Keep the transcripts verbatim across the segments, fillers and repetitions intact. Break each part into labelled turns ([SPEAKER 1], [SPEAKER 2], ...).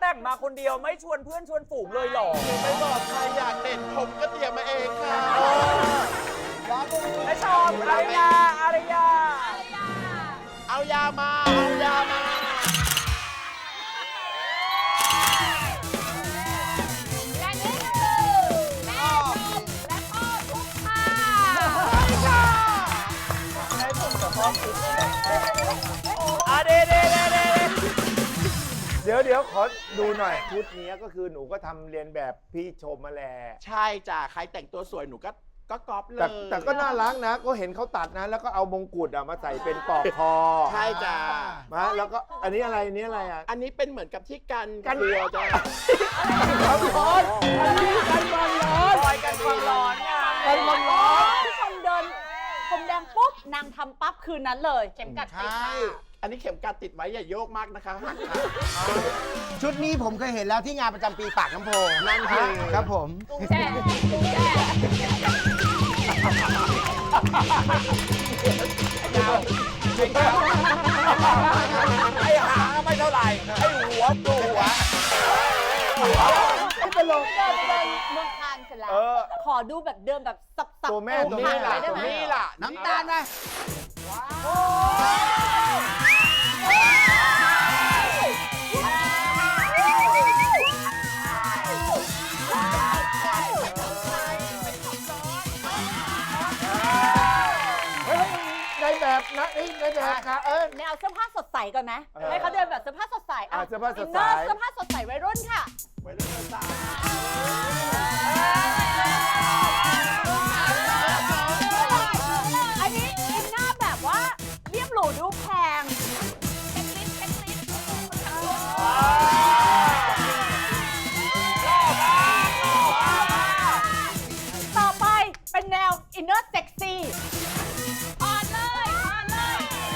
[SPEAKER 1] งมาคนเดียวไม่ชวนเพื่อนชวนฝูงเลยหรอ
[SPEAKER 2] ไม่บอกใครอยากเด่นผมก็เตรียมมาเองค่ะ
[SPEAKER 1] ไม่ชอบอารยาอารยา
[SPEAKER 2] เอายามาเอายามา
[SPEAKER 3] และนี่คือแม่ชมและพ่อทุกค่ะ
[SPEAKER 1] ให้ผมกับพ่อคุยอ่ะเดเดเดเด
[SPEAKER 4] เดี๋ยวเดี๋ยวขอดูหน่อยชุดนี้ก็คือหนูก็ทำเรียนแบบพี่ชมมาแหละ
[SPEAKER 2] ใช่จ้ะใครแต่งตัวสวยหนูก็ก็ก๊อปเล
[SPEAKER 4] แต่
[SPEAKER 2] ย
[SPEAKER 4] แต่ก็น่ารักนะก็เห็นเขาตัดนะแล้วก็เอามงกุฎอะมาใส่เป็นปลอกคอ
[SPEAKER 2] ใช่จ้ะ
[SPEAKER 4] มาแล้วก็อันนี้อะไรอันนี้อะไรอ่ะ
[SPEAKER 2] อันนี้เป็นเหมือนกับที่กันกันครัวจ้ะ
[SPEAKER 4] ความร้อนอันนี้กันความร้อน
[SPEAKER 1] ลอยกันความร้อนไง
[SPEAKER 4] กันความร้อน
[SPEAKER 3] ผู้ชมเดินผมแดงปุ๊บนางทำปั๊บคืนนั้นเลยเข็มกัดติดค่ะ
[SPEAKER 2] อันนี้เข็มกัดติดไว้อย่าโยกมากนะคะ
[SPEAKER 5] ชุดนี้ผมเคยเห็นแล้วที่งานประจำปีปากน้ำโพนั่นคือครับผม
[SPEAKER 3] กุ้งแช่กุ้งแช่
[SPEAKER 1] ไอ้หางไม่เท่าไหร่ไอ้หัวตัวหัว
[SPEAKER 4] หัวไม่ตลก
[SPEAKER 3] เดินเดินเมืองคานเสร็จแล้วขอดูแบบเดินแบบสับๆ
[SPEAKER 4] ตัวแม่ตัวแม่ล่ะตัวแม่
[SPEAKER 2] ล่ะ
[SPEAKER 5] น้ำตาลไหม
[SPEAKER 4] ในแบบนะในแบบค่ะเออ
[SPEAKER 3] แนวเสื้อผ้าสดใสก่อนไหมให้เขาเดินแบบเสื้อผ้าสดใส
[SPEAKER 4] อ่ะเสื้อผ้าสดใส
[SPEAKER 3] เสื้อผ้าสดใสวัยรุ่นค่ะ
[SPEAKER 2] วัยรุ่นสาว
[SPEAKER 3] อันนี้อินหน้าแบบว่าเรียบหรูดูแพงเช็คลิสต์เช็คลิสต์ต่อไปเป็นแนวอินเนอร์เซ็กซี่อ่อนเลยอ่อนเลย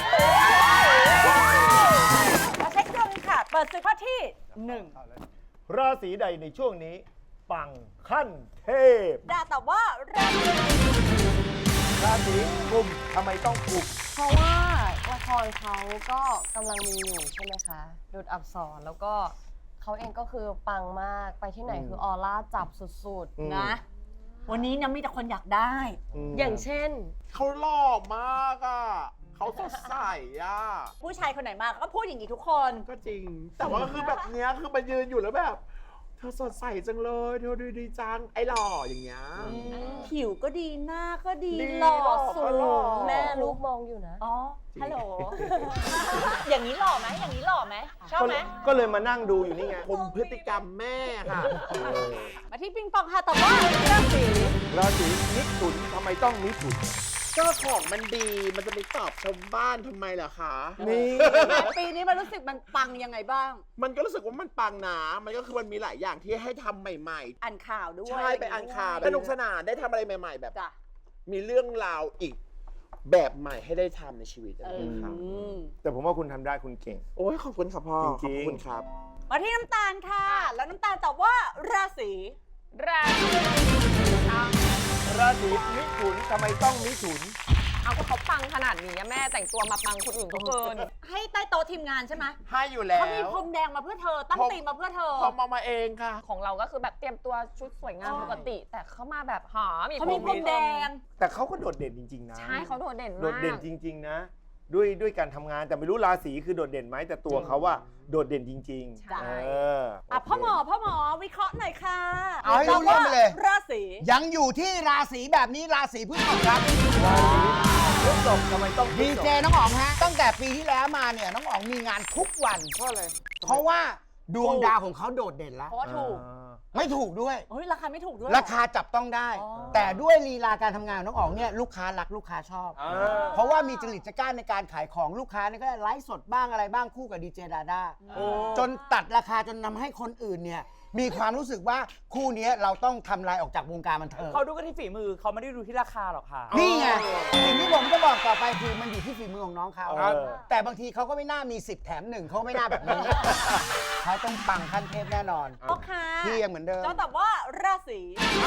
[SPEAKER 3] มาเช็คดวงค่ะเปิดศึกข้อที่หนึ่ง
[SPEAKER 4] ราศีใดในช่วงนี้ปังขั้นเทพ
[SPEAKER 3] ดาแต่ว่าราศี
[SPEAKER 4] ราศีกุมทำไมต้องกุม
[SPEAKER 6] เพราะว่าละครเขาก็กำลังมีอยู่ใช่ไหมคะดูดอับสรแล้วก็เขาเองก็คือปังมากไปที่ไหนคือออร่าจับสุดๆ
[SPEAKER 3] นะวันนี้นะมีแต่คนอยากได้
[SPEAKER 6] อย่างเช่น
[SPEAKER 2] เขาหล่อมากอ่ะเขาสดใสอ่ะ
[SPEAKER 3] ผู้ชายคนไหนมาก็พูดอย่างนี้ทุกคน
[SPEAKER 2] ก็จริงแต่ว่าคือแบบเนี้ยคือมายืนอยู่แล้วแบบเธอสดใสจังเลยเธอดูดีจังไอ้หล่ออย่างเงี้ย
[SPEAKER 3] ผิวก็ดีหน้าก็ดีหล่อสูง
[SPEAKER 6] แม่ลูกมองอยู่นะ
[SPEAKER 3] อ๋อฮัลโหลอย่างนี้หล่อไหมอย่างนี้หล่อไหมชอบไหม
[SPEAKER 4] ก็เลยมานั่งดูอยู่นี่ไง
[SPEAKER 2] คุมพฤติกรรมแม่ค่ะ
[SPEAKER 3] มาที่ปิงปองค่ะแต่ว่าราศี
[SPEAKER 4] ราศีมิถุนทำไมต้องมิถุน
[SPEAKER 2] ก็ของมันดีมันจะไปตอบชาวบ้านทำไมล่ะคะ
[SPEAKER 4] นี่
[SPEAKER 3] ปีนี้มันรู้สึกมันปังยังไงบ้าง
[SPEAKER 2] มันก็รู้สึกว่ามันปังนะมันก็คือมันมีหลายอย่างที่ให้ทำใหม่ๆ
[SPEAKER 3] อ่านข่าวด้วย
[SPEAKER 2] ใช่ไปอ่านข่าวสนุกสนานได้ทำอะไรใหม่ๆแบบมีเรื่องราวอีกแบบใหม่ให้ได้ทำในชีวิตนะครับ
[SPEAKER 4] แต่ผมว่าคุณทำได้คุณเก่ง
[SPEAKER 2] โอ้ยขอบคุณครับพ่อ
[SPEAKER 4] จริง
[SPEAKER 2] ๆขอบคุณครับ
[SPEAKER 3] มาที่น้ำตาลค่ะแล้วน้ำตาลตอบว่าราศีราศี
[SPEAKER 4] ราศีมิถุนทำไมต้องมิถุน
[SPEAKER 6] เอาก็เขาปังขนาดนี้แม่แต่งตัวมาปังคนอื่นก็เกิน
[SPEAKER 3] ให้ใต้โต๊ะทีมงานใช่ไหม
[SPEAKER 2] ให้อยู่แล้ว
[SPEAKER 3] เขามีพรมแดงมาเพื่อเธอตั้งตีมมาเพื่อเธอ
[SPEAKER 2] เขามามาเองค่ะ
[SPEAKER 6] ของเราก็คือแบบเตรียมตัวชุดสวยงามปกติแต่เขามาแบบหอมี
[SPEAKER 3] เขามีพรมแดง
[SPEAKER 4] แต่เขาก็โดดเด่นจริงๆนะ
[SPEAKER 6] ใช่เขาโดดเด่นมาก
[SPEAKER 4] โดดเด่นจริงๆนะด้วยด้วยการทำงานแต่ไม่รู้ราศีคือโดดเด่นไหมแต่ตัวเขาว่าโดดเด่นจริง
[SPEAKER 3] ๆเอออ่ะพ่อหมอพ่อหมอวิเคราะห์หน่อยค่ะ
[SPEAKER 5] เอาให้รู้เรื่องไปเลย
[SPEAKER 3] ราศี
[SPEAKER 5] ยังอยู่ที่ราศีแบบนี้ราศีพฤษภครับ
[SPEAKER 4] ราศีพฤษภทำไมต้อง
[SPEAKER 5] ดีเจน้องอ๋องฮะตั้งแต่ปีที่แล้วมาเนี่ยน้องอ๋องมีงานทุกวัน
[SPEAKER 4] เพราะอะไร
[SPEAKER 5] เพราะว่าดวงดาวของเขาโดดเด่นแล้ว
[SPEAKER 3] เพราะว่าถูก
[SPEAKER 5] ไม่ถูกด้วย
[SPEAKER 3] เฮ้ยราคาไม่ถูกด้วย
[SPEAKER 5] ราคาจับต้องได้แต่ด้วยลีลาการทำงานน้องอ๋องเนี่ยลูกค้ารักลูกค้าชอบเพราะว่ามีจริตจักร้าในการขายของลูกค้านี่ก็ไลฟ์สดบ้างอะไรบ้างคู่กับดีเจดาด้าจนตัดราคาจนนำให้คนอื่นเนี่ยมีความรู้สึกว่าคู่นี้เราต้องทำลายออกจากวงการบันเทิง
[SPEAKER 1] เขาดูกันที่ฝีมือเขาไม่ได้ดูที่ราคาหรอกค่ะ
[SPEAKER 5] นี่ไงสิ่งที่ผมจะบอกต่อไปคือมันอยู่ที่ฝีมือของน้องเขาแต่บางทีเขาก็ไม่น่ามีสิบแถมหนึ่งเขาไม่น่าแบบนี้เขาต้องปังขั้นเทพแน่นอน
[SPEAKER 3] โอเค
[SPEAKER 5] ที่ยังเหมือนเดิม
[SPEAKER 3] จะตอบว่าราศี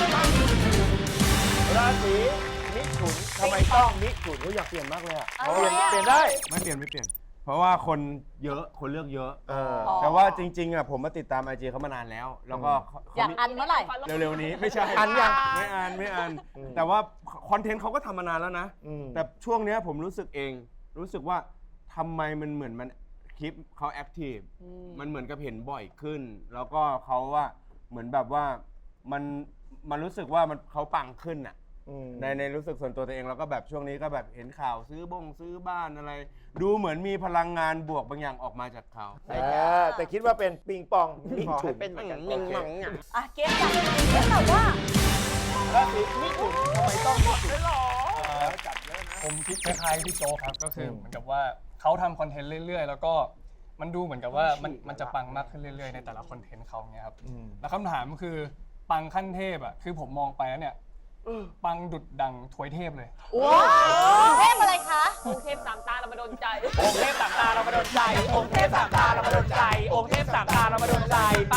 [SPEAKER 4] ราศีมิถุนทำไมต้องมิถุนเขาอยากเปลี่ยนมากเลยอ่ะเปลี่ยนเปลี่ยนได้
[SPEAKER 5] ไม่เปลี่ยนไม่เปลี่ยน
[SPEAKER 7] เพราะว่าคนเยอะคนเลือกเยอะ
[SPEAKER 4] เออ
[SPEAKER 7] แต่ว่าจริงๆอ่ะผมมาติดตามไอจีเขามานานแล้ว แล้วก็เขา
[SPEAKER 3] อยาก
[SPEAKER 7] มี
[SPEAKER 3] อันเมื่อไหร่
[SPEAKER 7] เร็วๆนี้ไม่ใช่
[SPEAKER 4] อันยัง
[SPEAKER 7] ไม่อ่านไม่อ่านแต่ว่าคอนเทนต์เขาก็ทำมานานแล้วนะ
[SPEAKER 4] อืม
[SPEAKER 7] แต่ช่วงเนี้ยผมรู้สึกเอง รู้สึกว่าทำไมมันเหมือนมันคลิปเขาแอคทีฟมันเหมือนกับเห็นบ่อยขึ้น แล้วก็เขาว่าเหมือนแบบว่ามันมันรู้สึกว่ามันเขาปังขึ้นอ่ะ
[SPEAKER 4] อืม
[SPEAKER 7] ในในรู้สึกส่วนตัวตัวเองแล้วก็แบบช่วงนี้ก็แบบเห็นข่าวซื้อบ้งซื้อบ้านอะไร ดูเหมือนมีพลังงานบวกบางอย่างออกมาจากเขา
[SPEAKER 4] เออแต่คิดว่าเป็นปิงปองมิ
[SPEAKER 2] ขอ
[SPEAKER 4] ถุ
[SPEAKER 2] ให้
[SPEAKER 4] น
[SPEAKER 2] เป็นเหมือนกัน
[SPEAKER 7] มิงมังอ่ะ
[SPEAKER 3] อ่ะเกมจับเกมแบบว่า
[SPEAKER 4] ราศีมิถุนทำไมต้องมิถุน
[SPEAKER 8] ผมคิดคล้ายๆพี่โจกครับก็คือเหมือนกับว่าเขาทำคอนเทนต์เรื่อยๆ แล้วก็มันดูเหมือนกับว่ามันมันจะปังมากขึ้นเรื่อยๆในแต่ละคอนเทนต์เขาเนี่ยครับแล้วคำถามคือปังขั้นเทพอ่ะคือผมมองไปแล้วเนี่ยปังดุดดังถวยเทพเลย
[SPEAKER 3] ว้าวเทพอะไรคะ
[SPEAKER 1] องค์เทพสามตาเรามาโดนใจ องค์เทพสามตาเรามาโดนใจ องค์เทพสามตาเรามาโดนใจ องค์เทพสามตาเรามาโดนใจ ไป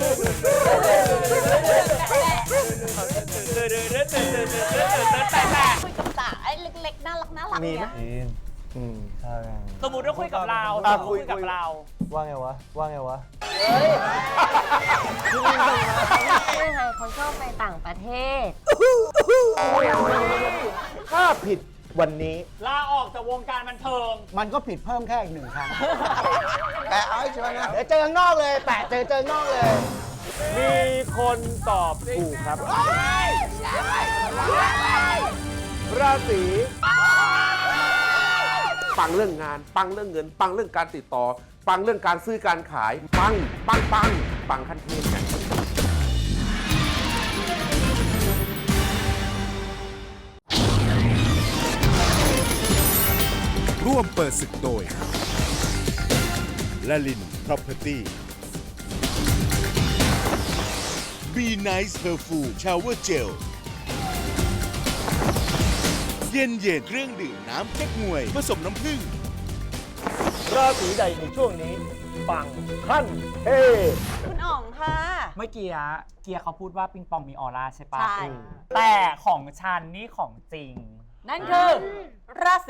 [SPEAKER 1] แต่แต่
[SPEAKER 3] คุยกับสาไอ้เล็กๆน่ารักน่ารัก
[SPEAKER 4] มีไหม
[SPEAKER 3] เนี่ย
[SPEAKER 4] อืม
[SPEAKER 1] สมมติว่าคุยกับเรา
[SPEAKER 4] อ่ะ
[SPEAKER 1] สมมุติ
[SPEAKER 4] คุย
[SPEAKER 1] คุยกับ
[SPEAKER 4] คุย
[SPEAKER 1] เรา
[SPEAKER 9] ว่าไงวะ ว่าไงวะ
[SPEAKER 6] ไม่ไงเขาชอบไปต่างประเทศ
[SPEAKER 4] ถ้าผิดวันนี้
[SPEAKER 1] ลาออกจากวงการบันเทิง
[SPEAKER 5] มันก็ผิดเพิ่มแค่อีกหนึ่งครั้ง แต่เอาให้ชัวร์นะเดี๋ยวเจอข้างนอกเลย แปะเจอเจอข้างนอกเลย
[SPEAKER 4] มีคนตอบถูกครับ ราศี
[SPEAKER 10] ปังเรื่องงาน ปังเรื่องเงิน ปังเรื่องการติดต่อ ปังเรื่องการซื้อการขาย ปัง ปัง ปัง ปังขั้นเทพกัน
[SPEAKER 11] ร่วมเปิดศึกโดยละลิน Property Be Nice Perfume Shower Gel เย็นเย็นเครื่องดื่มน้ำเก๊กงวยผสมน้ำผึ้ง
[SPEAKER 4] ราศีใดในช่วงนี้ ปังขั้นเทพ
[SPEAKER 3] คุณอ๋องค่ะ
[SPEAKER 12] เมื่อกี้อะเกียร์เขาพูดว่าปิงปองมีออร่าใช่ปะ
[SPEAKER 3] ใช่
[SPEAKER 12] แต่ของฉันนี่ของจริง
[SPEAKER 3] นั่นคือราศี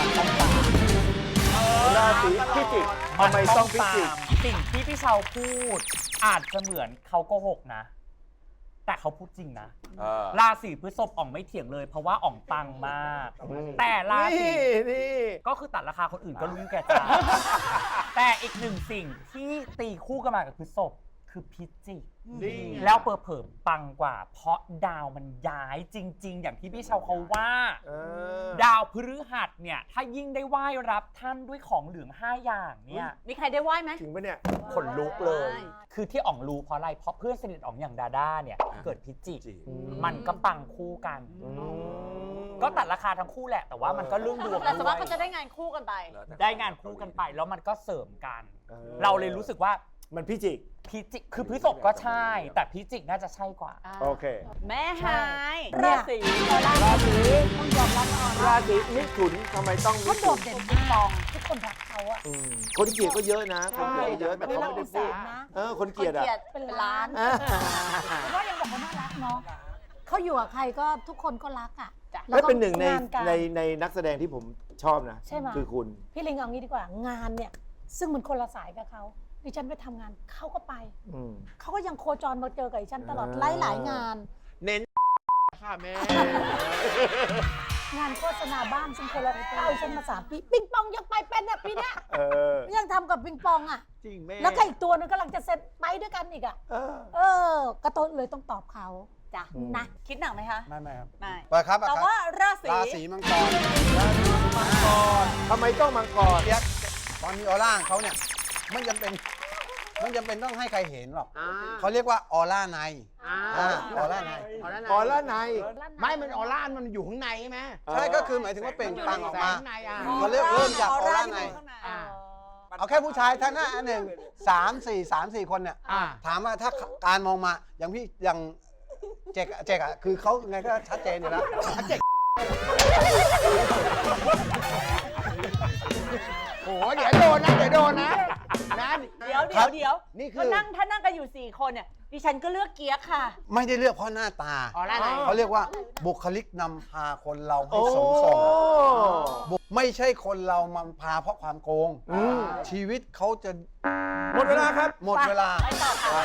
[SPEAKER 4] ราศีพิจิกทำไมต้องพิจิก
[SPEAKER 12] สิ่งที่พี่เชาพูด อาจจะเหมือนเขาโกหกนะ แต่เขาพูดจริงนะ ราศีพฤษภอ่องไม่เถียงเลย เพราะว่าอ่องปังมาก แต่ราศี
[SPEAKER 4] นี่นี่
[SPEAKER 12] ก็คือตัดราคาคนอื่นก็รู้อยู่แก่ใจ แต่อีกหนึ่งสิ่งที่ตีคู่กันมากับพฤษภคือพิจิก
[SPEAKER 4] นี่
[SPEAKER 12] แล้วเปิดเผยปังกว่า เพราะดาวมันย้ายจริง ๆ อย่างที่พี่เชาเขาว่า
[SPEAKER 4] เออ
[SPEAKER 12] ดาวพฤหัสเนี่ย ถ้ายิ่งได้ไหว้รับท่านด้วยของเหลืองห้าอย่างเนี่ย
[SPEAKER 3] มีใครได้ไหว้ไหม
[SPEAKER 4] จริงปะเนี่ยขนลุกเลย
[SPEAKER 12] คือที่อ่องรู้เพราะอะไร เพราะเพื่อนสนิทอ่องอย่างดาด้าเนี่ย เกิดพิจิก มันก็ปังคู่กัน ก็ตัดราคาทั้งคู่แหละ แต่ว่ามันก็เรื่องดวง
[SPEAKER 3] แต่สมม
[SPEAKER 12] ด้
[SPEAKER 3] ติ
[SPEAKER 12] วย
[SPEAKER 3] เขาจะได้งานคู่กันไป
[SPEAKER 12] ได้งานคู่กันไป แล้วมันก็เสริมกัน
[SPEAKER 4] เออ
[SPEAKER 12] เราเลยรู้สึกว่า
[SPEAKER 4] มันพิจิก
[SPEAKER 12] พิจิก คือพฤษภก็ใช่ แต่พิจิกน่าจะใช่กว่า
[SPEAKER 4] โอเค
[SPEAKER 3] แม่หาย
[SPEAKER 5] เนี่
[SPEAKER 3] ราย ศี
[SPEAKER 4] ราศี
[SPEAKER 3] ต้องยอมรับว่า
[SPEAKER 4] ราศีมิถุนทำไมต้องมิ
[SPEAKER 3] เขาโด
[SPEAKER 4] ถุ
[SPEAKER 3] ด
[SPEAKER 4] น
[SPEAKER 3] เด่นมากทุกคนรักเขาอะ
[SPEAKER 4] อืมคนเกลียดก็เยอะนะ คนเกลียดก็เยอะแต่
[SPEAKER 3] ไม่
[SPEAKER 4] เขา
[SPEAKER 3] รัก
[SPEAKER 4] ไม่
[SPEAKER 3] อุ
[SPEAKER 4] ได้
[SPEAKER 3] ต
[SPEAKER 4] พู
[SPEAKER 3] สา
[SPEAKER 4] ด
[SPEAKER 3] ห์นะ
[SPEAKER 4] เออคนเกลียดอ่ะ
[SPEAKER 3] เป็นล้าน
[SPEAKER 4] อ่า
[SPEAKER 3] แต่ว่ายังบอกว่าน่ารักเนาะเขาอยู่กับใครก็ทุกคนก็รักอ่ะ
[SPEAKER 4] และเป็นหนึ่งใน
[SPEAKER 3] งาการ
[SPEAKER 4] ในในนักแสดงที่ผมชอบนะ
[SPEAKER 3] ใช่ไหม
[SPEAKER 4] คือคุณ
[SPEAKER 3] พี่ลิงเอางี้ดีกว่างานเนี่ย ซึ่งมันคนละสายกับเขาดิฉันไปทำงานเขาก็ไป
[SPEAKER 4] อืม
[SPEAKER 3] เขาก็ยังโคจรมาเจอกับดิฉันตลอด
[SPEAKER 4] อ่า
[SPEAKER 3] หลายหลายๆงาน
[SPEAKER 2] เน้นค่ะแม่
[SPEAKER 3] งานโฆษณาบ้านซึ่งคนละเข้าดิฉันมาสามปีปิงปองยังไปเป็นเนี่ยปีเนี้ย
[SPEAKER 4] เออ
[SPEAKER 3] ยังทำกับปิงปองอ่ะ
[SPEAKER 2] จริงแม่
[SPEAKER 3] แล้วก็อีกตัวนึงกำลังจะเซ็ตไปด้วยกันอีกอ่ะ
[SPEAKER 4] เออ
[SPEAKER 3] เออกระต้นเลยต้องตอบเขาจ้ะ
[SPEAKER 4] อืม
[SPEAKER 3] นะคิดหนักไหมคะ
[SPEAKER 9] ไม่ไม่ครับ
[SPEAKER 3] ไม่
[SPEAKER 9] เปิดครับ
[SPEAKER 3] แต่ว่าราศี
[SPEAKER 9] ราศีมังกร
[SPEAKER 4] ทำไมต้องมังกร
[SPEAKER 9] เปียกตอนมีออร่าของเขาเนี่ยไม่จำเป็นไม่จำเป็นต้องให้ใครเห็นหรอก
[SPEAKER 2] อ่า
[SPEAKER 9] เขาเรียกว่าออร่าใน
[SPEAKER 2] อ่า
[SPEAKER 9] อ่าออร่าใน
[SPEAKER 4] ออร่าใน
[SPEAKER 5] ไม่มันออร่ามันอยู่ข้างในใช่ไหม
[SPEAKER 9] ใช่ก็คือหมายถึงว่าเปล่งปลั่งออกมา
[SPEAKER 5] ข้างในอ่ะ
[SPEAKER 9] เขาเรียกเริ่มจากออร่าใน
[SPEAKER 3] อ่า
[SPEAKER 9] เอาแค่ผู้ชายท่านหน้าอันหนึ่งสามสี่สามสี่คนเนี่ย
[SPEAKER 5] อ่า
[SPEAKER 9] ถามว่าถ้าการมองมาอย่างพี่อย่างเจกอะเจกอะคือเขาไงก็ชัดเจนอยู่แล้ว
[SPEAKER 5] โอ้โหเดี๋ยวโดนนะเดี๋ยวโดนนะนะ
[SPEAKER 3] เดี๋ยวเดี๋ยวเดี๋ยว
[SPEAKER 5] นี่คื
[SPEAKER 3] ก็
[SPEAKER 5] อ
[SPEAKER 3] นั่งถ้านั่งกันอยู่สี่คนเนี่ยดิฉันก็เลือกเกียร์ค่ะ
[SPEAKER 9] ไม่ได้เลือกเพราะหน้าตา
[SPEAKER 5] ออร่าไหน
[SPEAKER 9] เขาเรียกว่าบุคลิกนำพาคนเราให้สมส่งบุไม่ใช่คนเรามันพาเพราะความโกง ชีวิตเขาจะ
[SPEAKER 4] หมดเวลาครับ
[SPEAKER 9] หมดเวลา
[SPEAKER 3] ไปต่อค่ะ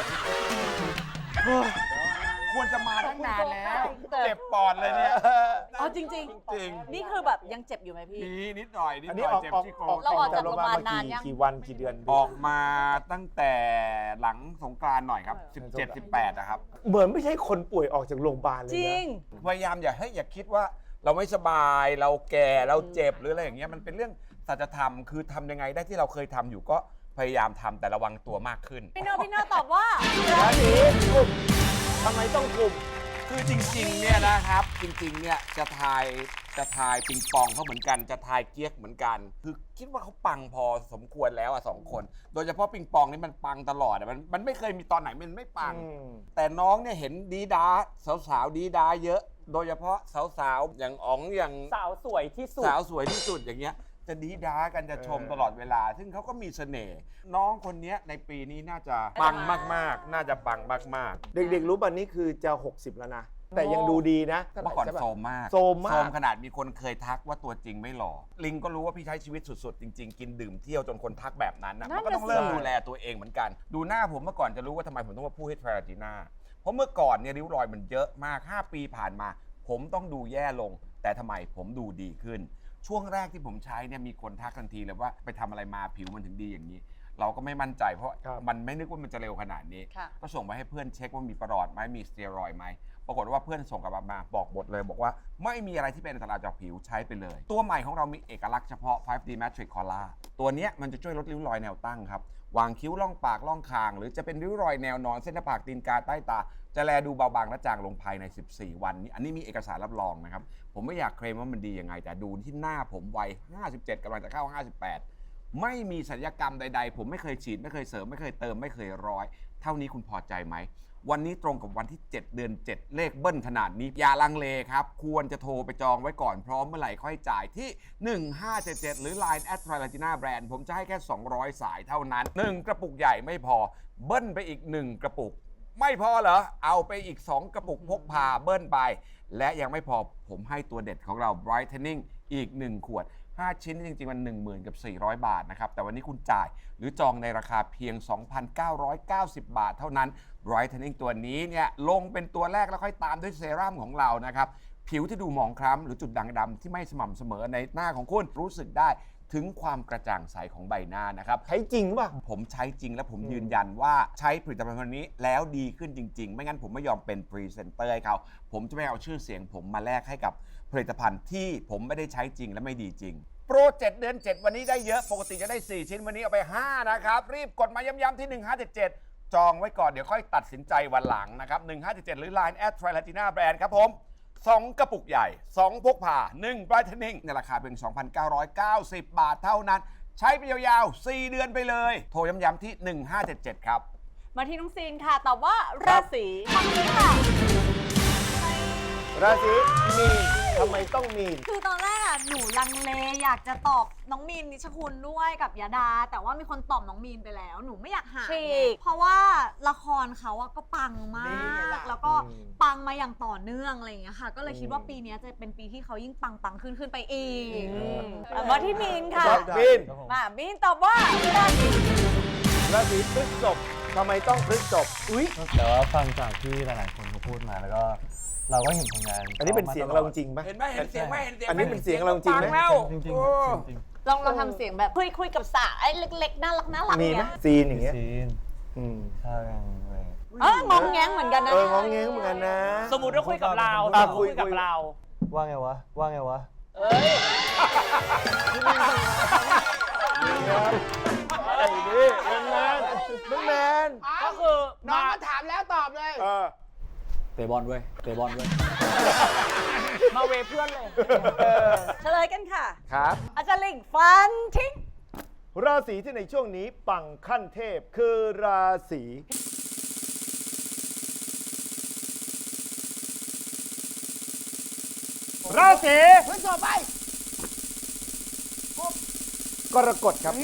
[SPEAKER 7] ควรจะมาตั้งนานแล้ว
[SPEAKER 3] เจ็
[SPEAKER 7] เจ็
[SPEAKER 3] บ
[SPEAKER 7] บปอดเลยเนี่ย
[SPEAKER 3] เอาจริง
[SPEAKER 7] จริง
[SPEAKER 3] ๆ นี่คือแบบยังเจ็บอยู่ไหมพี่
[SPEAKER 7] มีนิดหน่อยนิด
[SPEAKER 4] อัน
[SPEAKER 7] ห
[SPEAKER 4] นี้
[SPEAKER 7] น่อย
[SPEAKER 4] ออก
[SPEAKER 7] เจ็บ
[SPEAKER 4] ออก
[SPEAKER 7] ที่โคร
[SPEAKER 4] ออก
[SPEAKER 3] เราออกจาก
[SPEAKER 4] โรงพยาบาล
[SPEAKER 3] โรงพยาบาลนานยัง
[SPEAKER 4] กี่วันกี่เดือน
[SPEAKER 7] ออกมาตั้งแต่หลังสงกรานต์หน่อยครับ สิบเจ็ด สิบแปดนะครับ
[SPEAKER 4] เหมือนไม่ใช่คนป่วยออกจากโรงพยาบาลเลย
[SPEAKER 3] จริ
[SPEAKER 4] นะ
[SPEAKER 3] ง
[SPEAKER 7] พยายามอย่าให้อย่าคิดว่าเราไม่สบายเราแก่เราเจ็บหรืออะไรอย่างเงี้ยมันเป็นเรื่องสัจธรรมคือทำยังไงได้ที่เราเคยทำอยู่ก็พยายามทำแต่ระวังตัวมากขึ้น
[SPEAKER 3] พี่เนอร์พี่เนอร์ตอบว่า
[SPEAKER 4] ราศีกุมทำไมต้องกุม
[SPEAKER 7] คือจริงๆเนี่ยนะครับจริงๆเนี่ยจะทายจะทายปิงปองเขาเหมือนกันจะทายเกียกเหมือนกัน คือคิดว่าเขาปังพอสมควรแล้วอ่ะสองคน โดยเฉพาะปิงปองนี่มันปังตลอดอะมันมันไม่เคยมีตอนไหนมันไม่ปัง แต่น้องเนี่ยเห็นดีดาสาวๆดีดาเยอะ โดยเฉพาะสาวๆอย่างอ๋องอย่าง
[SPEAKER 1] สาวสวยที่สุด
[SPEAKER 7] สาวสวยที่สุดอย่างเงี้ยจะดีดากันจะชมตลอดเวลา ซึ่งเขาก็มีเสน่ห์น้องคนเนี้ยในปีนี้น่าจะปังมากๆ น่าจะปังมากๆ
[SPEAKER 4] เด็กๆรู้ป่ะนี่คือจะ หกสิบ แล้วนะ แต่ยังดูดีนะ
[SPEAKER 7] เมื่อก่อนโซมมาก
[SPEAKER 4] โซมมาก
[SPEAKER 7] ขนาดมีคนเคยทักว่าตัวจริงไม่หล่อ ลิงก็รู้ว่าพี่ใช้ชีวิตสุดๆ จริงๆ กินดื่มเที่ยวจนคนทักแบบนั้นนะ
[SPEAKER 3] นั่
[SPEAKER 7] มัน นก็ต้อง
[SPEAKER 3] น่ะสิ
[SPEAKER 7] เริ่มดูแลตัวเองเหมือนกัน ดูหน้าผมเมื่อก่อนจะรู้ว่าทำไมผมต้องมาพูดให้ทราจีน่าเพราะเมื่อก่อนเนี่ยริ้วรอยมันเยอะมาก ห้า ปีผ่านมา ผมต้องดูแย่ลง แต่ทำไมผมดูดีขึ้น ช่วงแรกที่ผมใช้เนี่ยมีคนทักทันทีเลยว่าไปทำอะไรมาผิวมันถึงดีอย่างนี้ เราก็ไม่มั่นใจเพราะมันไม่นึกว่ามันจะเร็วขนาดนี้
[SPEAKER 3] ค่ะ
[SPEAKER 7] ก็ส่งไปให้เพื่อนเช็คว่ามีประหลอดไหมมีสเตียรอยด์ไหมปรากฏว่าเพื่อนส่งกลับมาบอกหมดเลย บอกว่าไม่มีอะไรที่เป็นอันตรายจากผิวใช้ไปเลย ตัวใหม่ของเรามีเอกลักษณ์เฉพาะ ไฟว์ ดี Matrix Color ตัวเนี้ยมันจะช่วยลดริ้วรอยแนวตั้งครับวางคิ้วล่องปากล่องคางหรือจะเป็นริ้วรอยแนวนอนเส้นหน้าผากตีนกาใต้ตาจะแลดูเบาบางและจางลงภายในสิบสี่วันนี้อันนี้มีเอกสารรับรองนะครับผมไม่อยากเคลมว่ามันดียังไงแต่ดูที่หน้าผมวัยห้าสิบเจ็ดกำลังจะเข้าห้าสิบแปดไม่มีศัลยกรรมใดๆผมไม่เคยฉีดไม่เคยเสริมไม่เคยเติมไม่เคยร้อยเท่านี้คุณพอใจไหมวันนี้ตรงกับวันที่เจ็ดเดือนเจ็ดเลขเบิ้ลขนาดนี้อย่าลังเลครับควรจะโทรไปจองไว้ก่อนพร้อมเมื่อไหร่ค่อยจ่ายที่หนึ่งห้าเจ็ดเจ็ดหรือ ไลน์ แอท ทริลาจีน่า แบรนด์ผมจะให้แค่สองร้อยสายเท่านั้นหนึ่งกระปุกใหญ่ไม่พอเบิ้ลไปอีกหนึ่งกระปุกไม่พอเหรอเอาไปอีกสองกระปุกพกพาเบิ้ลไปและยังไม่พอผมให้ตัวเด็ดของเรา Brightening อีกหนึ่งขวดห้าชิ้นจริงๆมัน หนึ่งหมื่น กับสี่ร้อยบาทนะครับแต่วันนี้คุณจ่ายหรือจองในราคาเพียง สองพันเก้าร้อยเก้าสิบ บาทเท่านั้น Brightening ตัวนี้เนี่ยลงเป็นตัวแรกแล้วค่อยตามด้วยเซรั่มของเรานะครับผิวที่ดูหมองคล้ำหรือจุดด่างดำที่ไม่สม่ำเสมอในหน้าของคุณรู้สึกได้ถึงความกระจ่างใสของใบหน้านะครับใช้จริงป่ะผมใช้จริงและผมยืนยันว่าใช้ผลิตภัณฑ์ตัวนี้แล้วดีขึ้นจริงๆไม่งั้นผมไม่ยอมเป็นพรีเซนเตอร์ให้เขาผมจะไม่เอาชื่อเสียงผมมาแลกให้กับผลิตภัณฑ์ที่ผมไม่ได้ใช้จริงและไม่ดีจริงโปรเจ็ดเดือนเจ็ดวันนี้ได้เยอะปกติจะได้สี่ชิ้นวันนี้เอาไปห้านะครับรีบกดมาย้ำๆที่หนึ่งห้าเจ็ดเจ็ดจองไว้ก่อนเดี๋ยวค่อยตัดสินใจวันหลังนะครับหนึ่งห้าเจ็ดเจ็ดหรือ ไลน์ แอท ทริลาจีน่า แบรนด์ครับผมสองกระปุกใหญ่สองพกพาหนึ่ง Brightening ในราคาเพียง สองพันเก้าร้อยเก้าสิบ บาทเท่านั้นใช้ไปยาวๆสี่เดือนไปเลยโทรย้ำๆที่หนึ่งห้าเจ็ดเจ็ดครับ
[SPEAKER 3] มาที่น้องซีนค่ะตอบว่าราศีมังกรค่ะ
[SPEAKER 4] ราศีมีนทำไมต้องมีน
[SPEAKER 13] คือตอนแรกอ่ะหนูลังเลอยากจะตอบน้องมีนนิชคุณด้วยกับยาดา แต่ว่ามีคนตอบน้องมีนไปแล้วหนูไม่อยากหา
[SPEAKER 3] ฉีก
[SPEAKER 13] เพราะว่าละครเขาอะก็ปังมาก แล้วก็ปังมาอย่างต่อเนื่องอะไรอย่างเงี้ยค่ะ ก็เลยคิดว่าปีนี้จะเป็นปีที่เขายิ่งปังปังขึ้นขึ้นไปอีก
[SPEAKER 3] มาที่มีนค่ะ
[SPEAKER 4] มีน
[SPEAKER 3] มามีนตอบว่าราศี
[SPEAKER 4] ราศีพฤษภทำไมต้องพฤษภอุ้ย
[SPEAKER 14] แต่ว่าฟังจากที่หลายๆคนเขาพูดมาแล้วก็เราก็เห็นผลงาน
[SPEAKER 4] อันนี้เป็นเสียงเราจริงไหม
[SPEAKER 7] เห็นไหมเห็นเสียงไหมเห็นเสียงไหม
[SPEAKER 4] อันนี้เป็นเสียงเราจริงไหม
[SPEAKER 14] จริงๆจริงๆจริง
[SPEAKER 3] ลองลองทำเสียงแบบคุยคุยกับสาวไอ้เล็กๆน่ารักน่ารัก
[SPEAKER 4] มีไหม
[SPEAKER 3] เนี้ย
[SPEAKER 4] ซีนอย่างเงี้ย
[SPEAKER 14] ซีน
[SPEAKER 4] อืม
[SPEAKER 14] ใช่กันเลย
[SPEAKER 3] เอององแงงเหมือนกันนะ
[SPEAKER 4] เอององแงงเหมือนกันนะ
[SPEAKER 1] สมมุติว่าคุยกับเรา
[SPEAKER 4] อ่ะ
[SPEAKER 1] สมมุติ
[SPEAKER 4] คุย
[SPEAKER 1] คุยกับ
[SPEAKER 4] คุย
[SPEAKER 1] เรา
[SPEAKER 14] ว่าไงวะ ว่าไงวะ
[SPEAKER 1] เอ้ย
[SPEAKER 4] ไอ้นี่แมนแมนแมน
[SPEAKER 1] ก็คือ
[SPEAKER 5] น้อง
[SPEAKER 1] มา
[SPEAKER 5] ก็ถามแล้วตอบเลย
[SPEAKER 4] เออ
[SPEAKER 14] เตะบอลเว้ย เตะบอลเว้ย
[SPEAKER 1] มาเวเพื่อนเลย
[SPEAKER 3] เฉลยกันค่ะ
[SPEAKER 4] ครับ
[SPEAKER 3] อาจารย์ลิงฟันทิ้ง
[SPEAKER 4] ราศีที่ในช่วงนี้ปังขั้นเทพคือราศีราศีพฤษภไปกรกฎครับ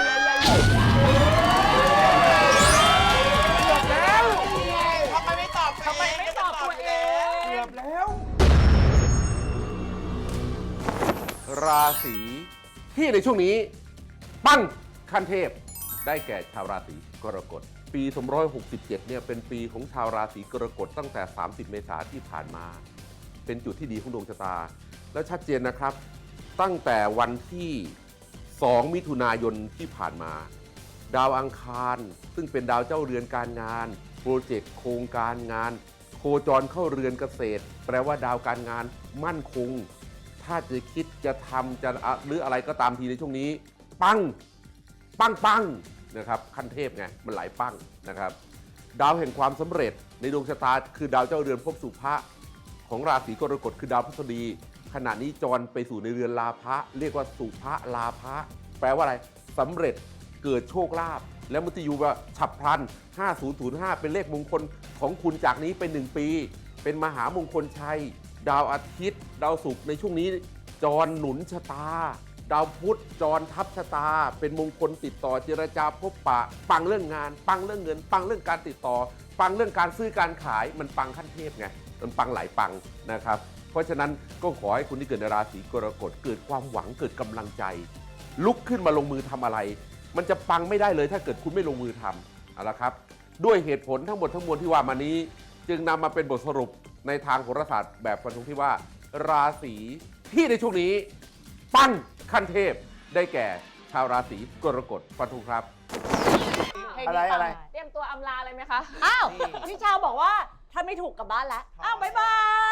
[SPEAKER 2] ทำไมไม่ตอบ
[SPEAKER 1] ทำไมไม่ตอบตัวเอง
[SPEAKER 4] เกือบแล้ว
[SPEAKER 10] ราศีที่ในช่วงนี้ปังขั้นเทพได้แก่ชาวราศีกรกฎปีสองพันห้าร้อยหกสิบเจ็ดเนี่ยเป็นปีของชาวราศีกรกฎตั้งแต่สามสิบเมษายนที่ผ่านมาเป็นจุดที่ดีของดวงชะตาและชัดเจนนะครับตั้งแต่วันที่สองมิถุนายนที่ผ่านมาดาวอังคารซึ่งเป็นดาวเจ้าเรือนการงานโปรเจกต์โครงการงานโคจรเข้าเรือนเกษตรแปลว่าดาวการงานมั่นคงถ้าจะคิดจะทำจะหรืออะไรก็ตามทีในช่วงนี้ปังปังปังนะครับขั้นเทพไงมันหลายปังนะครับดาวแห่งความสำเร็จในดวงชะตาคือดาวเจ้าเรือนภพสุภะของราศีกรกฎคือดาวพฤหัสบดีขณะนี้จรไปสู่ในเรือนลาภะเรียกว่าสุภะลาภะแปลว่าอะไรสำเร็จเกิดโชคลาภและมุตยูว่าฉับพลันห้าศูนย์ศูนย์ห้าเป็นเลขมงคลของคุณจากนี้เป็นหนึ่งปีเป็นมหามงคลชัยดาวอาทิตย์ดาวศุกร์ในช่วงนี้จรหนุนชะตาดาวพุธจรทับชะตาเป็นมงคลติดต่อเจรจาพบปะปังเรื่องงานปังเรื่องเงินปังเรื่องการติดต่อปังเรื่องการซื้อการขายมันปังขั้นเทพไงมันปังหลายปังนะครับเพราะฉะนั้นก็ขอให้คุณที่เกิดในราศีกรกฎเกิดความหวังเกิดกำลังใจลุกขึ้นมาลงมือทำอะไรมันจะปังไม่ได้เลยถ้าเกิดคุณไม่ลงมือทำเอาละครับด้วยเหตุผลทั้งหมดทั้งมวลที่ว่ามานี้จึงนำมาเป็นบทสรุปในทางโหราศาสตร์แบบฟันธงที่ว่าราศีที่ในช่วงนี้ปังขั้นเทพได้แก่ชาวราศีกรกฎฟันธงครับ
[SPEAKER 4] อะไรอะไร
[SPEAKER 3] เตรียมตัวอำลาเลยไหมคะ อ้าว พี่ชาวบอกว่าถ้าไม่ถูกกลับบ้านแล้ว อ้าว บ๊ายบาย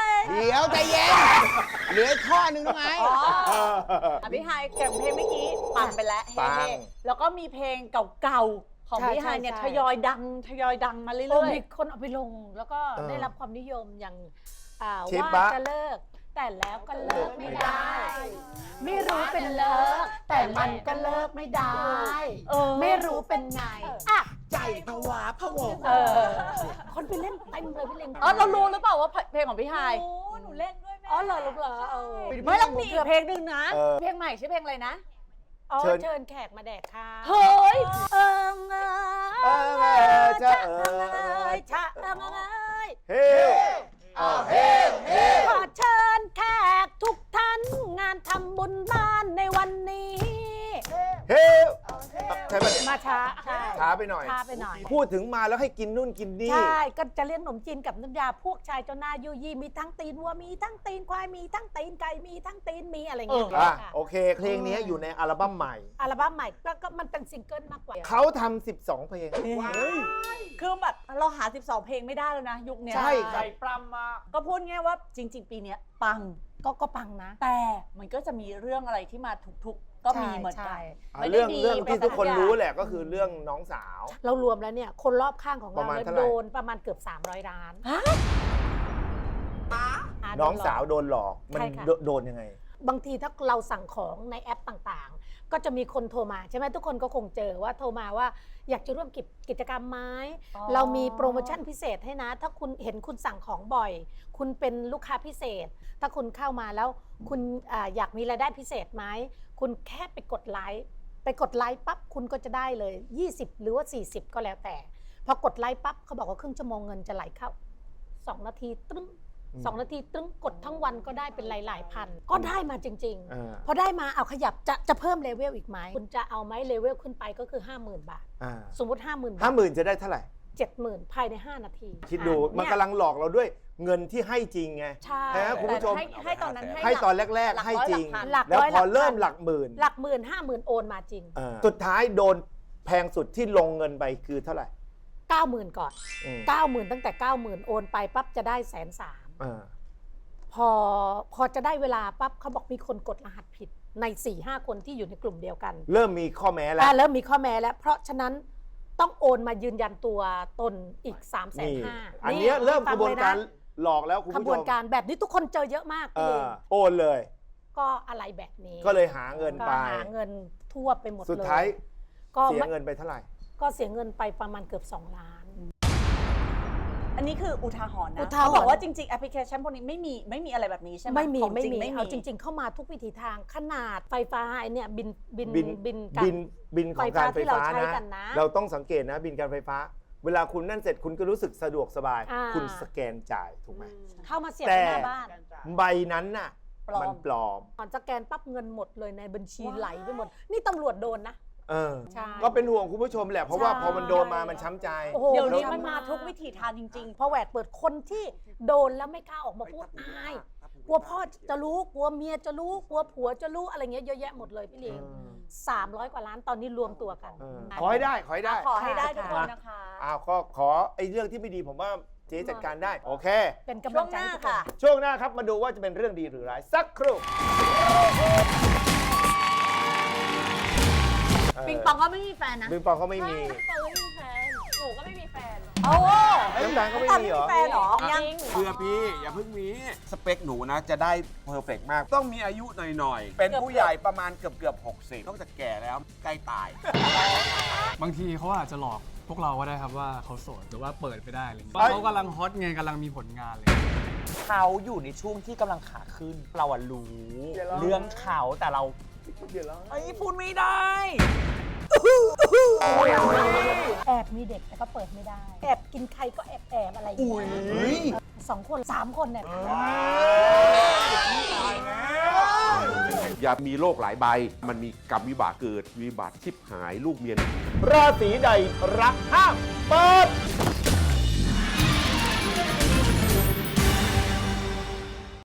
[SPEAKER 5] เดี๋ยวใจเย็น เหลือข้อหนึ่งตรงไหน
[SPEAKER 3] อ๋ออ่ะพี่ไฮเก็บเพลงเมื่อกี้ปั่นไปแล้ว
[SPEAKER 5] ปั
[SPEAKER 3] เฮ้
[SPEAKER 5] ง
[SPEAKER 3] ๆแล้วก็มีเพลงเก่าๆ ของ
[SPEAKER 15] ใช่
[SPEAKER 3] พี่ไฮเนี่ย
[SPEAKER 15] ใช่
[SPEAKER 3] ทยอยดังทยอยดังมาเรื่
[SPEAKER 15] โอ้
[SPEAKER 3] อย
[SPEAKER 15] มีคนเอาไปลงแล้วก็
[SPEAKER 4] เออ
[SPEAKER 15] ได้รับความนิยมอย่างอ่า
[SPEAKER 4] เชฟ
[SPEAKER 15] ว่า
[SPEAKER 4] บะ
[SPEAKER 15] จะเลิก แต่แล้วก็เลิกไม่ได้ ไม่รู้เป็นเลิก แต่มันก็เลิกไม่ได้
[SPEAKER 3] ๆ เออ
[SPEAKER 15] ไม่รู้เป็นไงอ่ะ
[SPEAKER 2] ใจผวาผวง
[SPEAKER 3] เออ
[SPEAKER 15] คนไปเล่นเต็มเลยพี่เล่น
[SPEAKER 3] อ๋อเรารู้หรือเปล่าว่าเพลงของพี่ไฮ
[SPEAKER 13] โอ้หนูเล่นด้วยแม่
[SPEAKER 15] อ๋อเหรอลูกเหรอเออ
[SPEAKER 3] ไม่แล้วมีอีกเพลงหนึ่งนะ
[SPEAKER 4] เออ
[SPEAKER 3] เพลงใหม่ชื่อเพลงอะไรนะ
[SPEAKER 15] อ๋อ
[SPEAKER 4] เชิญ
[SPEAKER 15] เชิญแขกมาแดกข้าว
[SPEAKER 3] เฮ้ย
[SPEAKER 15] เอิงเอ
[SPEAKER 4] เออเออจะเออ
[SPEAKER 15] ยชะเอิงเอ้ย
[SPEAKER 4] เฮ้เอาเฮ้เฮ้
[SPEAKER 15] ขอเชิญแขกทุกท่านงานทำบุญบ้านในวันนี้
[SPEAKER 4] เฮ้ใช่ปะเนี่ย
[SPEAKER 15] มาช้าใช่
[SPEAKER 4] ช้าไปหน่อย
[SPEAKER 15] ช้าไปหน่อย
[SPEAKER 4] พูดถึงมาแล้วให้กินนู่นกินนี่
[SPEAKER 15] ใช่ ก็จะเลี้ยงขนมจีนกับน้ำยาพวกชายเจ้าหน้ายุยี่มีทั้งตีนวัวมีทั้งตีนควายมีทั้งตีนไก่มีทั้งตีนมีอะไรเงี้ย
[SPEAKER 4] อ่ะ
[SPEAKER 15] ค่ะ
[SPEAKER 4] โอเค เพลงนี้อยู่ในอัลบั้มใหม่
[SPEAKER 15] อัลบั้มใหม่ก็ก็มันเป็นซิงเกิลมากกว่า
[SPEAKER 4] เขาทำสิบสองเพลง
[SPEAKER 3] คือแบบเราหาสิบสองเพลงไม่ได้แล้วนะยุคเนี้ย
[SPEAKER 4] ใช่ครับ
[SPEAKER 1] ใจปรำมา
[SPEAKER 3] ก็พูดง่ายว่าจริง ๆ ปีเนี้ยปัง
[SPEAKER 15] ก็ก็ปังนะ
[SPEAKER 3] แต่มันก็จะมีเรื่องอะไรที่มาทุกๆ ก็มีเหมือนกัน
[SPEAKER 15] ใช่
[SPEAKER 4] อ่ะ
[SPEAKER 3] ไม่ได้
[SPEAKER 4] เรื่อง
[SPEAKER 3] ดี
[SPEAKER 4] เรื่องที่ทุกคน
[SPEAKER 3] ไปซะ
[SPEAKER 4] รู้
[SPEAKER 3] ทุกอย่าง
[SPEAKER 4] แหละก็คือเรื่องน้องสาว
[SPEAKER 15] เรารวมแล้วเนี่ย คนรอบข้างของ
[SPEAKER 4] ประ
[SPEAKER 15] เรา
[SPEAKER 4] มาณ
[SPEAKER 15] เนี่ย
[SPEAKER 4] เท่าไหร่
[SPEAKER 15] โดนประมาณเกือบ สามร้อยล้านอ่ะ
[SPEAKER 4] น้อง
[SPEAKER 15] โดหลก
[SPEAKER 4] สาวโดนหลอก มัน
[SPEAKER 15] ใช่ค่ะ
[SPEAKER 4] โดโดนยังไง
[SPEAKER 15] บางทีถ้าเราสั่งของในแอปต่างๆ ก็จะมีคนโทรมาใช่ไหมทุกคนก็คงเจอว่าโทรมาว่าอยากจะร่วมกิจกิจกรรมไหม
[SPEAKER 3] อ๋อ
[SPEAKER 15] เรามีโปรโมชั่นพิเศษให้นะ ถ้าคุณเห็นคุณสั่งของบ่อย คุณเป็นลูกค้าพิเศษ ถ้าคุณเข้ามาแล้วคุณอาอยากมีรายได้พิเศษไหมคุณแค่ไปกดไลค์ไปกดไลค์ปั๊บคุณก็จะได้เลยยี่สิบหรือว่าสี่สิบก็แล้วแต่พอกดไลค์ปั๊บเขาบอกว่าครึ่งชั่วโมงเงินจะไหลเข้าสองนาทีตึ้ง
[SPEAKER 4] อืม
[SPEAKER 15] สองนาทีตึ้งกดทั้งวันก็ได้เป็นหลายๆพันก็ได้มาจริง
[SPEAKER 4] อ่า
[SPEAKER 15] ๆ พอได้มาเอาขยับจะจะเพิ่มเลเวลอีกไหมคุณจะเอาไหมเลเวลขึ้นไปก็คือ ห้าหมื่น บาท
[SPEAKER 4] อ่า
[SPEAKER 15] สมมติ ห้าหมื่น
[SPEAKER 4] ห้า
[SPEAKER 15] บาท
[SPEAKER 4] หมื่นจะได้เท่าไหร่
[SPEAKER 15] เจ็ดหมื่นภายใน ห้า นาที
[SPEAKER 4] คิดดู
[SPEAKER 15] อ่ะ
[SPEAKER 4] มัน
[SPEAKER 15] เย
[SPEAKER 4] กำลังหลอกเราด้วยเงินที่ให้จริงไง
[SPEAKER 15] ใช่
[SPEAKER 4] นะคุณผู้ชม
[SPEAKER 3] แต่ให้ให้ตอนนั้น
[SPEAKER 4] ให้ตอนแรก ๆ ให้จริง
[SPEAKER 15] หลัก
[SPEAKER 4] แล้ว
[SPEAKER 15] ร้อย
[SPEAKER 4] พอ
[SPEAKER 15] หลักพัน
[SPEAKER 4] เริ่มหลักหมื่น
[SPEAKER 15] หลักหมื่นห้าหมื่นโอนมาจริง
[SPEAKER 4] เออสุดท้ายโดนแพงสุดที่ลงเงินไปคือเท่าไหร่
[SPEAKER 15] เก้าหมื่น ก่อน
[SPEAKER 4] อืม
[SPEAKER 15] เก้าหมื่น ตั้งแต่ เก้าหมื่น โอนไปปั๊บจะได้แสนสาม
[SPEAKER 4] อ่า
[SPEAKER 15] พอพอจะได้เวลาปั๊บเขาบอกมีคนกดรหัสผิดใน สี่ห้า คนที่อยู่ในกลุ่มเดียวกัน
[SPEAKER 4] เริ่มมีข้อแม้แล้ว
[SPEAKER 15] อ่าเริ่มมีข้อแม้แล้ว เพราะฉะนั้นต้องโอนมายืนยันตัวตนอีก 3 5 0 0 0
[SPEAKER 4] นี่
[SPEAKER 15] 0
[SPEAKER 4] อันเนี้ยเริ่มกระบวนการหลอกแล้วคุณ
[SPEAKER 15] ข
[SPEAKER 4] ผู้
[SPEAKER 15] บ
[SPEAKER 4] ช
[SPEAKER 15] วน
[SPEAKER 4] ม
[SPEAKER 15] การแบบนี้ทุกคนเจอเยอะมาก
[SPEAKER 4] เอ
[SPEAKER 15] พี่
[SPEAKER 4] อโอนเลย
[SPEAKER 15] ก็อะไรแบบนี้
[SPEAKER 4] ก็เลยหาเงิน
[SPEAKER 15] ก็
[SPEAKER 4] ไป
[SPEAKER 15] หาเงินทั่วไปหมดเลย
[SPEAKER 4] สุดท้าย
[SPEAKER 15] ก็
[SPEAKER 4] เสีย
[SPEAKER 15] ไม่
[SPEAKER 4] เงินไปเท่าไหร่
[SPEAKER 15] ก็เสียเงินไปประมาณเกือบ สอง ล้าน
[SPEAKER 3] อันนี้คืออุทาหรณ์นะ
[SPEAKER 15] อุทาหรณ์
[SPEAKER 3] เขาบอกว่าจริงๆแอปพลิเคชันพวกนี้ไม่มีไม่มีอะไรแบบนี้ใช่ไหม
[SPEAKER 15] ไม่มี
[SPEAKER 3] ของ
[SPEAKER 15] ไม่
[SPEAKER 3] จริง
[SPEAKER 15] มี
[SPEAKER 3] ไม่มี
[SPEAKER 15] เอาจริง ๆ เข้ามาทุกวิถีทางขนาดไฟฟ้าไอ้เนี่ยบินบิน
[SPEAKER 4] บิน
[SPEAKER 15] บิน
[SPEAKER 4] บินบินของการไฟ
[SPEAKER 15] ที่เรา
[SPEAKER 4] ฟ้า
[SPEAKER 15] ใช้
[SPEAKER 4] นะ
[SPEAKER 15] กันนะ
[SPEAKER 4] เราต้องสังเกตนะบินการไฟฟ้า เวลาคุณนั่นเสร็จคุณก็รู้สึกสะดวกสบาย
[SPEAKER 15] อ่า
[SPEAKER 4] คุณสแกนจ่ายถูกไหม
[SPEAKER 15] เข้ามาเสียบ
[SPEAKER 4] แต่
[SPEAKER 15] หน้าบ้าน
[SPEAKER 4] ใบนั้นน่ะ
[SPEAKER 3] ปลอม
[SPEAKER 4] มันปลอม
[SPEAKER 15] ก่อนสแกนปั๊บเงินหมดเลยในบัญชีไหลไปหมด นี่ตำรวจโดนนะ
[SPEAKER 4] เออ
[SPEAKER 15] ใช่
[SPEAKER 4] ก็เป็นห่วงคุณผู้ชมแหละ เพราะว่า
[SPEAKER 15] ใช่
[SPEAKER 4] พอมันโดนมามันช้ำใจ
[SPEAKER 15] โอ้โห
[SPEAKER 3] เดี๋ยวนี้
[SPEAKER 15] แล้ว
[SPEAKER 3] มันมาทุกวิถีทางจริง
[SPEAKER 15] พอแหวกเปิดคนที่โดนแล้วไม่กล้าออกมาพูดอาย กลัวพ่อจะรู้ กลัวเมียจะรู้ กลัวผัวจะรู้อะไรเงี้ยเยอะแยะหมดเลยพี่เลี้ยงสามร้อยกว่าล้านตอนนี้รวมตัวกัน
[SPEAKER 4] ขอให้ได้ ขอให้ได้
[SPEAKER 3] ขอให้ได้ทุกคนนะคะ
[SPEAKER 4] อ้าวก็ขอไอ้เรื่องที่ไม่ดีผมว่าเจ๊จัดการได้ โอเค
[SPEAKER 15] เป็นกำ
[SPEAKER 3] ช่
[SPEAKER 15] ลั
[SPEAKER 3] ว
[SPEAKER 15] ง
[SPEAKER 3] ง
[SPEAKER 15] ใจ
[SPEAKER 3] หน้า
[SPEAKER 15] ให้ทุกคน
[SPEAKER 3] ค่ะ
[SPEAKER 4] ช่วงหน้าครับมาดูว่าจะเป็นเรื่องดีหรือร้ายสักครู่
[SPEAKER 13] ปิงปองก็ไม่มีแฟนนะ
[SPEAKER 4] ปิงปองเขาไม่มี
[SPEAKER 6] น้ำตาลไม่มีแฟน หนูก็ไม่มีแฟน
[SPEAKER 3] โอ้
[SPEAKER 4] น้ำตาลเขาไม่มีเหรอ
[SPEAKER 3] แฟนเหรอ ยัง
[SPEAKER 7] เพื่อพี่อย่าเพิ่งมีสเปคหนูนะจะได้เพอร์เฟกมาก ต้องมีอายุหน่อยๆ เป็นผู้ใหญ่ประมาณเกือบเกือบหกสิบนอกจากแก่แล้วใกล้ตาย
[SPEAKER 8] บางทีเขาอาจจะหลอกพวกเราก็ได้ครับว่าเขาโสดหรือว่าเปิดไปได้อะไรอย่างเงี้ย
[SPEAKER 4] เอ้ย
[SPEAKER 8] เขากำลังฮอตไงกำลังมีผลงานเลย
[SPEAKER 12] เขาอยู่ในช่วงที่กำลังขาขึ้น เราอะรู้ เรื่องเขาแต่เรา
[SPEAKER 4] เดี๋ยวแล้ว
[SPEAKER 12] ไอ้ยพูดไม่ได้
[SPEAKER 15] แอบมีเด็กแต่ก็เปิดไม่ได้ แอบกินใครก็แอบแอบอะไรอย่างเงี้ยสองคนสามคนเนี่ย
[SPEAKER 10] อย่ามีโรคหลายใบ มันมีกรรมวิบากเกิดวิบัติชิบหายลูกเมีย
[SPEAKER 4] ราศีใดรักห้ามเปิด